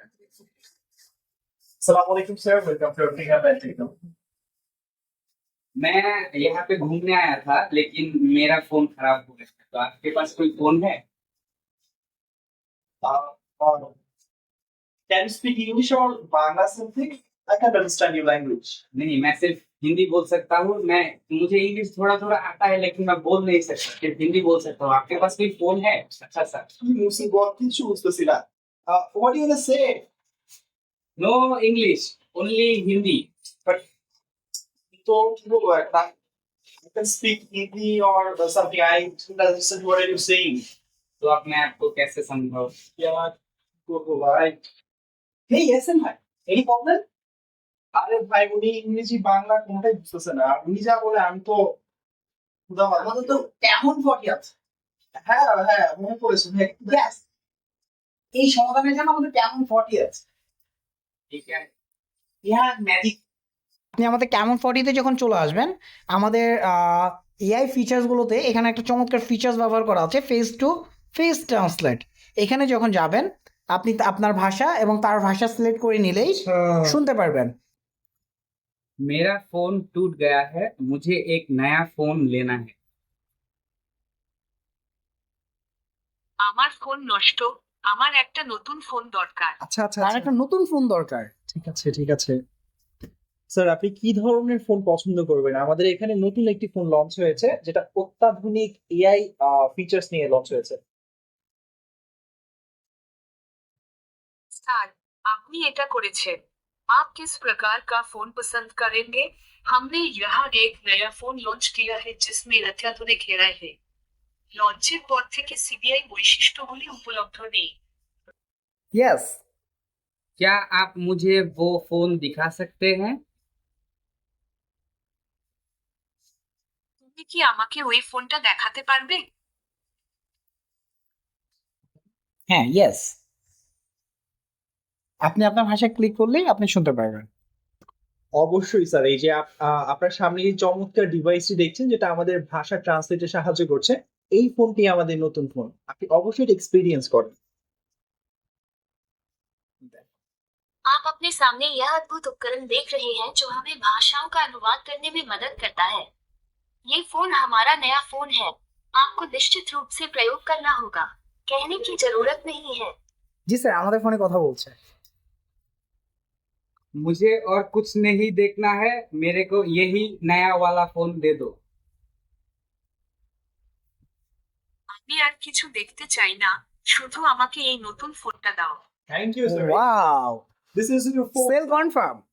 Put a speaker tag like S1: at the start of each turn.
S1: Assalamualaikum sir, welcome to Africa Techno.
S2: मैं यहाँ पे घूमने आया था लेकिन मेरा फोन खराब हो गया तो आपके पास कोई फोन है?
S1: Can you speak English or Bangla something? I can't understand your language.
S2: नहीं, मैं सिर्फ हिंदी बोल सकता हूँ। मुझे इंग्लिश थोड़ा थोड़ा आता है लेकिन मैं बोल नहीं सकता, सिर्फ हिंदी बोल सकता हूँ। आपके पास कोई फोन है अच्छा सा?
S1: Musi got কিছু বুঝতেছি না। What do you wanna say?
S2: No English, only Hindi.
S1: But তো কি বলবো একটা? You can speak Hindi or something. I don't understand what are you saying.
S2: तो आप मैं आपको कैसे समझाऊँ?
S1: क्या করবো ভাই? Hey, listen ভাই, any problem? আরে ভাই উনি ইংরেজি বাংলা কোনটাই বুঝতেছে না। উনি যা বলে আমি তো আমাদের তো কেমন ফটি আছে। হ্যাঁ হ্যাঁ মনে পড়েছে ভাই। Yes. এই সমাধানের জন্য আমাদের কেমন ফটি আছে।
S2: ठीक है।
S1: Yeah magic.
S3: আপনি আমাদের কেমন 40 যখন চলে আসবেন, আমাদের এআই ফিচার্সগুলোতে এখানে একটা চমৎকার ফিচার্স ব্যবহার করা আছে, ফেস টু ফেস ট্রান্সলেট। এখানে যখন যাবেন আপনি আপনার ভাষা এবং তার ভাষা সিলেক্ট করে নিলেই শুনতে পারবেন।
S2: मेरा फोन टूट गया है, मुझे एक नया फोन लेना है।
S4: আমার ফোন নষ্ট, আমার একটা নতুন ফোন দরকার।
S5: আচ্ছা আচ্ছা
S3: তার
S5: আচ্ছা
S3: একটা নতুন ফোন দরকার।
S5: ঠিক আছে ঠিক আছে স্যার, আপনি কি ধরনের ফোন পছন্দ করবেন? আমাদের এখানে নতুন একটি ফোন লঞ্চ হয়েছে যেটা অত্যাধুনিক এআই ফিচার্স নিয়ে লঞ্চ হয়েছে।
S4: স্যার, আপনি এটা করেছেন। आप किस प्रकार का फोन पसंद करेंगे? हमने यहाँ एक नया फोन लॉन्च किया है जिसमें अत्याधुनिक एआई है। লঞ্চের পর থেকে সিবিআই বৈশিষ্ট্যগুলি উপলব্ধ নেই।
S3: ইয়েস।
S2: क्या आप मुझे वो फोन दिखा सकते हैं?
S4: তুমি কি আমাকে ওই ফোনটা দেখাতে পারবে?
S3: হ্যাঁ, ইয়েস। আপনি আপনার ভাষায় ক্লিক করলেই আপনি শুনতে পারবেন।
S5: অবশ্যই স্যার, এই যে আপনার সামনে এই চমৎকার ডিভাইসটি দেখছেন যেটা আমাদের ভাষা ট্রান্সলেটে সাহায্য করছে, এই ফোনটি আমাদের নতুন ফোন। আপনি অবশ্যই এটা এক্সপেরিয়েন্স করেন।
S6: आप अपने सामने यह अद्भुत उपकरण देख रहे हैं जो हमें भाषाओं का अनुवाद करने में मदद करता है। ये फोन हमारा नया फोन है। आपको निश्चित रूप से प्रयोग करना होगा, कहने की जरूरत नहीं है।
S3: জি স্যার, আমাদের ফোনে কথা বলছে।
S2: मुझे और कुछ नहीं देखना है, मेरे को यही नया वाला फोन दे दो।
S4: আমি আর কিছু দেখতে চাই না, শুধু আমাকে এই নতুন ফোনটা দাও।
S1: Thank you sir.
S3: Wow,
S1: This is your phone.
S3: Sale confirm.